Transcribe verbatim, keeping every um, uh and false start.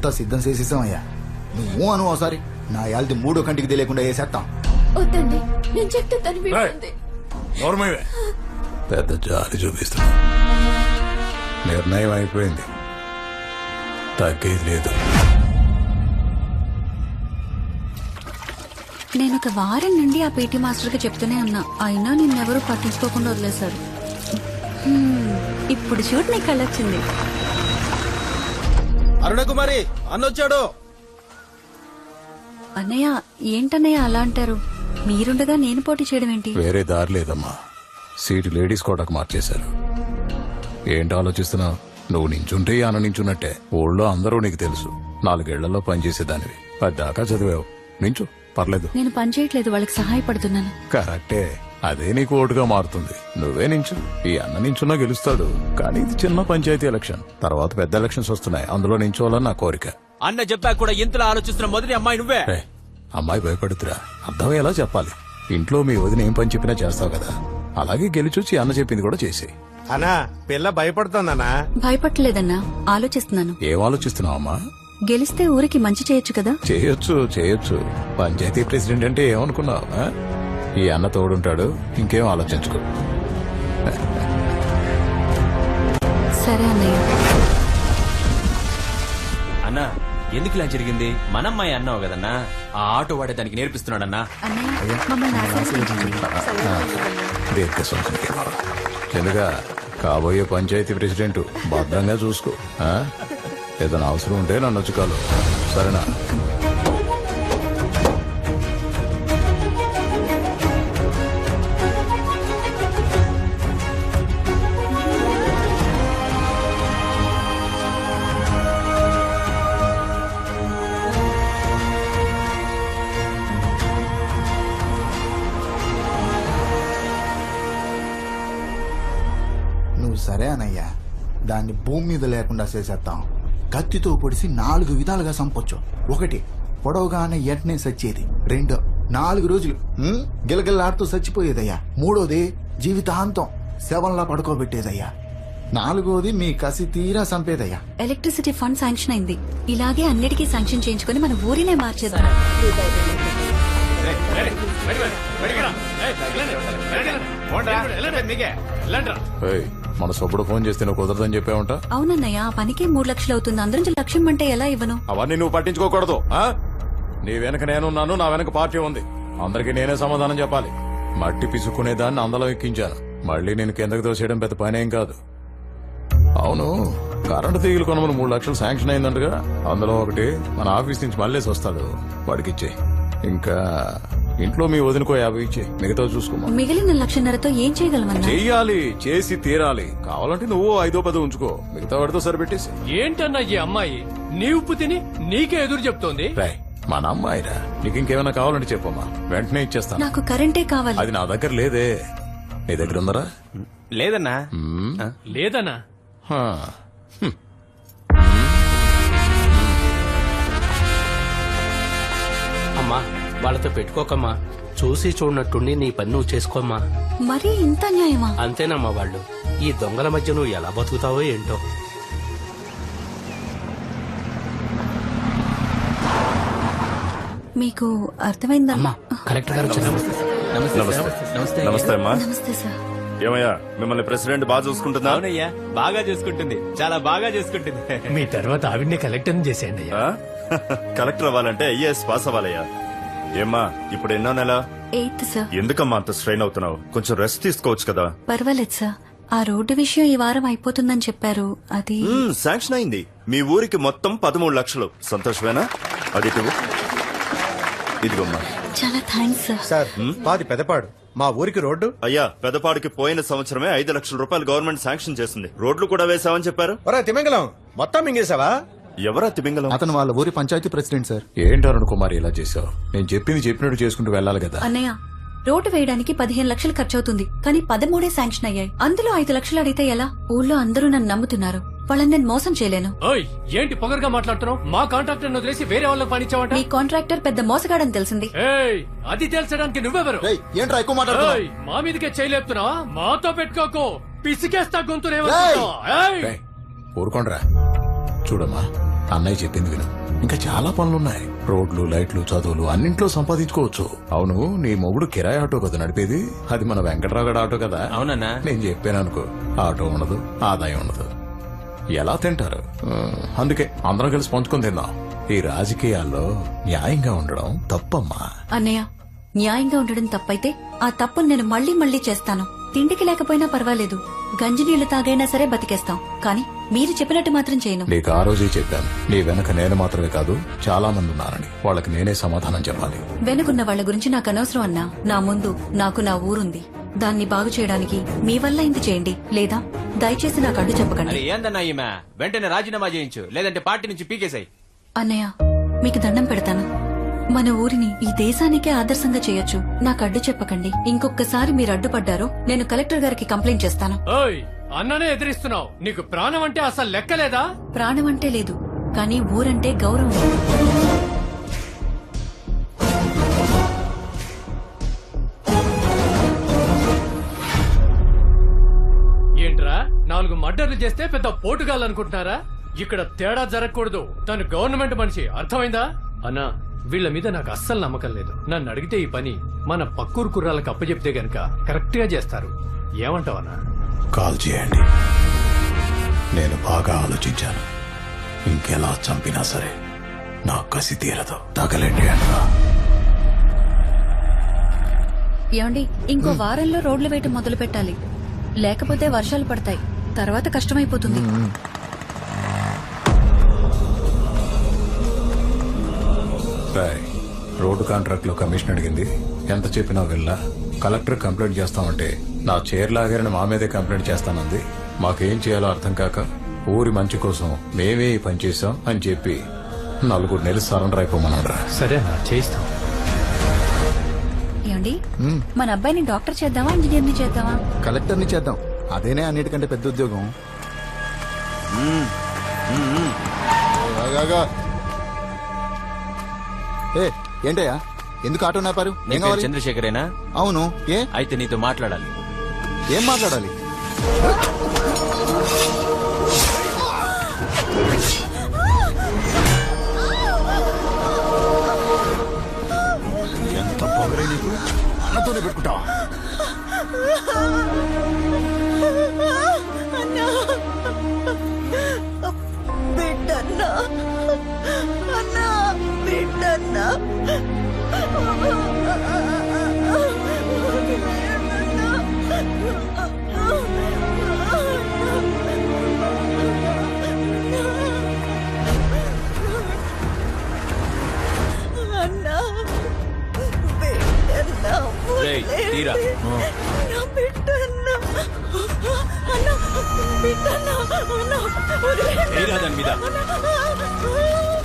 అంతా సిద్ధం చేసేసామయ్యా. నువ్వు అను ఒకసారి నా యాల్ది మూడో కంటికి తెలియకుండా వేసేస్తాం. వద్దండి, నేను చెప్తే తను వింటుంది. పెద్ద జాలి చూపిస్తున్నా. నిర్ణయం అయిపోయింది, తగ్గేది లేదు. నేను ఒక వారం నుండి ఆ పీటీ మాస్టర్ కి చెప్తూనే ఉన్నా, అయినా నిన్నెవరూ పట్టించుకోకుండా వదిలేశారు. హ్మ్, ఇప్పుడు చూడు నీ కళ్ళొచ్చింది. అరుణకుమారి అన్నొచ్చాడు. అన్నయ్య ఏంటన్నయ్య అలా అంటారు? మీరుండగా నేను పోటీ చేయడం ఏంటి? వేరే దారి లేదమ్మా, సీటు లేడీస్ కోటకు మార్చేశారు. ఏంటి ఆలోచిస్తున్నావు? నువ్వు నించుంటే ఆన నించున్నట్టే. ఊళ్ళో అందరూ నీకు తెలుసు, నాలుగేళ్లలో పనిచేసేదానివి, పద్దాకా చదివావు. నించు, పర్లేదు. నేను పని చేయట్లేదు, వాళ్ళకి సహాయపడుతున్నాను. కరెక్టే, అదే నీకు ఓటుగా మారుతుంది. నువ్వే నించు, ఈ అన్న నించున్నా గెలుస్తాడు. కానీ ఇది చిన్న పంచాయతీ ఎలక్షన్, తర్వాత పెద్ద ఎలక్షన్స్ వస్తున్నాయి, అందులో నించోవాలని నా కోరిక. అన్న చెప్పా కూడా ఇంతలో ఆలోచిస్తున్న మొదటి అమ్మాయి నువ్వే. రే, అమ్మాయి భయపడుతురా, అర్థమయ్యేలా చెప్పాలి. ఇంట్లో మీ వదిన ఏం పని చెప్పినా చేస్తావు కదా, అలాగే గెలిచొచ్చి అన్న చెప్పింది కూడా చేసి. అన్నా పిల్ల భయపడుతుందన్నా. భయపడలేదన్నా, ఆలోచిస్తున్నాను. ఏం ఆలోచిస్తున్నావు అమ్మా? గెలిస్తే ఊరికి మంచి చేయొచ్చు కదా. చేయొచ్చు చేయొచ్చు పంచాయతీ ప్రెసిడెంట్ అంటే ఏమనుకున్నావు? ఆ? ఈ అన్న తోడుంటాడు, ఇంకేం ఆలోచించుకో. సరే అన్నయ్య. అన్నా ఎందుకు ఇలా జరిగింది? మనమ్మాయి అన్నావు కదన్నా, ఆ ఆటో వాడే దానికి నేర్పిస్తున్నాడన్నా. అన్నయ్య మమ్మల్ని ఆశీర్వదించండి. దీర్ఘ సంస్కృతి ఎందుగా కాబోయే పంచాయతీ ప్రెసిడెంట్ భద్రంగా చూసుకో. ఆ? ఏదైనా అవసరం ఉంటే నన్ను వచ్చి కాలు, సరేనా? నువ్వు సరే అనయ్యా, దాన్ని భూమి మీద లేకుండా చేసేస్తాం. కత్తితో పొడిసి నాలుగు విధాలుగా చంపొచ్చు. ఒకటి, పొడవుగానే ఎట్నే సచ్చేది. రెండు, నాలుగు రోజులు హ్మ్, గిలగిల్లాడుతూ చచ్చిపోయేదయ్యా. మూడోది, జీవితాంతం శవంలా పడుకోబెట్టేదయ్యా. నాలుగోది, మీ కసి తీరా చంపేదయ్యా. ఎలక్ట్రిసిటీ ఫండ్ శాంక్షన్ అయింది, ఇలాగే అన్నిటికీ శాంక్షన్ చేయించుకుని మన ఊరినే మార్చేద్దాం. ఏయ్, మన సొప్పుడు ఫోన్ చేస్తే నువ్వు కుదరదని చెప్పావుంటా? అవునన్నయ్య, ఆ పనికే మూడు లక్షలు అవుతుంది. అందరం లక్ష్యం అంటే ఎలా ఇవ్వను? అవన్నీ నువ్వు పట్టించుకోకూడదు. ఆ? నీ వెనక నేనున్నాను, నా వెనక పార్టీ ఉంది. అందరికీ నేనే సమాధానం చెప్పాలి. మట్టి పిసుక్కునేదాన్ని అందలం ఎక్కించాను, మళ్ళీ నేను కిందకి తోసేయడం పెద్ద పనేం కాదు. అవును, కరెంటు తీగలు కొనమని మూడు లక్షలు శాంక్షన్ అయిందంటగా, అందులో ఒకటి మన ఆఫీస్ నుంచి మళ్ళేసి వస్తాడు, వాడికి ఇచ్చే. ఇంకా ఇంట్లో మీ వదినకో యాభై ఇచ్చే, మిగతా చూసుకోమా. మిగిలిన లక్షన్నరతో ఏం చేయగలమన్నా? చెయ్యాలి, చేసి తీరాలి. కావాలంటే నువ్వు ఐదో పదో ఉంచుకో, మిగతా వాడితో సరిపెట్టేసి. ఏంటన్నా ఈ అమ్మాయి నీ ఉప్పు తిని నీకే ఎదురు చెప్తోంది? రాయ్, మన అమ్మాయిరా, నీకు ఇంకేమైనా కావాలంటే చెప్పమ్మా, వెంటనే ఇచ్చేస్తాను. నాకు కరెంటే కావాలి. అది నా దగ్గర లేదే, నీ దగ్గర ఉందరా? లేదన్నా. లేదన్నా. హా. అమ్మా వాళ్ళతో పెట్టుకోకమ్మా, చూసి చూడనట్టుండి నీ పని నువ్వు చేసుకోమ్మా. మరీ ఇంత న్యాయమా? అంతేనమ్మా, వాళ్ళు ఈ దొంగల మధ్య నువ్వు ఎలా బతుకుతావో ఏంటో. మీకు అర్థమైందా? కలెక్టర్ గారు నమస్తే అమ్మా. నమస్తే సార్. ఏమయ్యా, మిమ్మల్ని ప్రెసిడెంట్ బాగా చూసుకుంటుందా? అవునయ్యా, బాగా చూసుకుంటుంది, చాలా బాగా చూసుకుంటుంది. మీ తర్వాత ఆవిడ్ని కలెక్టర్ చేసేయండి. ఆ? కలెక్టర్ అవ్వాలంటే ఐఏఎస్ పాస్ అవ్వాలయ్యా. ఏమ్మా, ఇప్పుడు ఎన్నో నెల? Eighth sir. ఎందుకమ్మా అంత స్ట్రెయిన్ అవుతున్నావు? కొంచెం రెస్ట్ తీసుకోవచ్చు కదా. పర్వాలేదు సార్, ఆ రోడ్డు విషయం ఈ వారం అయిపోతుందని చెప్పారు, అది మ్మ్, శాంక్షన్ అయింది. మీ ఊరికి మొత్తం పదమూడు లక్షలు. సంతోషమేనా? అది ఇటు. ఇదిగోమ్మా. చాలా థ్యాంక్స్ సార్. సార్ మాది పెదపాడు, మా ఊరికి రోడ్డు. అయ్యా, పెదపాడికి పోయిన సంవత్సరమే ఐదు లక్షల రూపాయలు గవర్నమెంట్ శాంక్షన్ చేసింది. రోడ్లు కూడా వేసావని చెప్పారు. ఒరే తిమింగలం, మొత్తం మింగేశావా? ఎవరా తిమింగలం? అతను వాళ్ళ ఊరి పంచాయతీ ప్రెసిడెంట్ సార్. ఏంటి అరుణ్ కుమార్ ఇలా చేశావు? నేను చెప్పింది చెప్పినట్టు చేసుకుంటూ వెళ్ళాలి కదా. అన్నయ్య, రోడ్డు వేయడానికి పదిహేను లక్షలు ఖర్చు అవుతుంది, కానీ పదమూడే శాంక్షన్ అయ్యాయి. అందులో ఐదు లక్షలు అడిగితే ఎలా? ఊళ్ళో అందరూ నన్ను నమ్ముతున్నారు, వాళ్ళని నేను మోసం చేయలేను. ఓయ్, ఏంటి పొగరుగా మాట్లాడుతున్నావు? మా కాంట్రాక్టర్ వదిలేసి వేరే వాళ్ళకి పనిచ్చావట. మీ కాంట్రాక్టర్ పెద్ద మోసగాడని తెలిసింది. ఏయ్, అది తెలుసడానికి నువ్వెవరు? రేయ్, ఏంట్రా ఎక్కువ మాట్లాడుతున్నావ్? ఏయ్, మా మీదకే చేయలేపుతున్నావా? మాతో పెట్టుకోకు, పిసికేస్తా గొంతునే. ఊరుకోండ్రా. చూడమ్మా, అన్నయ్య చెప్పింది విను ఇంకా చాలా పనులున్నాయి. రోడ్లు, లైట్లు, చదువులు అన్నింట్లో సంపాదించుకోవచ్చు. అవును, నీ మొగుడు కిరాయి ఆటో కదా నడిపేది? అది మన వెంకట్రావు ఆటో కదా? అవునన్నా. నేను చెప్పాను అనుకో, ఆటో ఉండదు, ఆదాయం ఉండదు, ఎలా తింటారు? ఆ, అందుకే అందరం కలిసి పంచుకొని తిందాం. ఈ రాజకీయాల్లో న్యాయంగా ఉండడం తప్పమ్మా. అన్నయ్య, న్యాయంగా ఉండడం తప్పైతే ఆ తప్పును నేను మళ్ళీ మళ్ళీ చేస్తాను. తిండికి లేకపోయినా పర్వాలేదు, గంజి నీళ్లు తాగైనా సరే బతికేస్తాం, కానీ మీరు చెప్పినట్టు మాత్రం చేయను. నీకు ఆ రోజే చెప్పాను, నీ వెనక నేను మాత్రమే కాదు చాలా మంది ఉన్నారని. వాళ్ళకి నేనే సమాధానం చెప్పాలి. వెనుకున్న వాళ్ళ గురించి నాకు అనవసరం అన్నా. నా ముందు నాకు నా ఊరుంది. దాన్ని బాగు చేయడానికి మీ వల్ల ఇంత చేయండి, లేదా దయచేసి నాకు అడ్డు చెప్పకండి. అరే ఏందన్నా ఈమె, వెంటనే రాజీనామా చేయించు, లేదంటే పార్టీ నుంచి పీకేసాయి. అన్నయ్య, మీకు దండం పెడతాను. మన ఊరిని ఈ దేశానికే ఆదర్శంగా చేయొచ్చు. నాకు అడ్డు చెప్పకండి. ఇంకొకసారి మీరు అడ్డుపడ్డారో నేను కలెక్టర్ గారికి కంప్లైంట్ చేస్తాను. ఓయ్, అన్ననే ఎదిరిస్తున్నావు. నీకు ప్రాణం అంటే అసలు లెక్కలేదా? ప్రాణం అంటే లేదు, కానీ ఊరంటే గౌరవం. ఏంట్రా, నాలుగు మర్డర్లు చేస్తే పెద్ద పోటుగాలనుకుంటున్నారా? ఇక్కడ తేడా జరగకూడదు. తను గవర్నమెంట్ మనిషి, అర్థమైందా? అన్నా, వీళ్ళ మీద నాకు అస్సలు నమ్మకం లేదు. నన్ను అడిగితే ఈ పని మన పక్కూరు కుర్రాలకు అప్పచెప్తే గనక కరెక్ట్ గా చేస్తారు. ఏమంటావన్నా? కాల్ చేయండి. నేను బాగా ఆలోచించాను. ఇంకెలా చంపినా సరే నా కసి తీరదు. తగలండి అంటా. ఏమండి, ఇంకో వారంలో రోడ్లు వేయటం మొదలు పెట్టాలి, లేకపోతే వర్షాలు పడతాయి, తర్వాత కష్టమైపోతుంది. రాయ్, రోడ్డు కాంట్రాక్ట్ లో కమిషన్ అడిగింది. ఎంత చెప్పినా వెళ్ళా. కలెక్టర్ కంప్లైంట్ చేస్తామంటే నా చైర్ లాగారని మా మీదే కంప్లైంట్ చేస్తానంది. మాకేం చేయాలో అర్థం కాక ఊరి మంచి కోసం మేమే ఈ పని చేశాం అని చెప్పి నలుగురు నెలలు సరెండర్ అయిపోమన్నారా. సరే అన్నా, చేయిస్తాం. ఏమండి, మన అబ్బాయిని డాక్టర్ చేద్దామా, ఇంజనీర్ని చేద్దామా? కలెక్టర్ని చేద్దాం, అదేనే అన్నిటికంటే పెద్ద ఉద్యోగం. ఆగాగా. ఏ ఏంటయ్యా, ఎందుకు ఆటో నాపారు? ఏం నీ పేరు కావాలి? చంద్రశేఖరేనా? అవును, ఏ అయితే నీతో మాట్లాడాలి. ఏం మాట్లాడాలి? ఎంత పొగరే నీకు, అన్నతోనే పెట్టుకుంటావా? బిడ్డన్నా, అన్నా, బిడ్డన్నా. అన్నా, బిడ్డన్నా, రేయ్, తీరా. అన్నా, బిడ్డన్నా, అన్నా, బిడ్డన్నా, అన్నా, తీరా దాని మీద. అన్నా.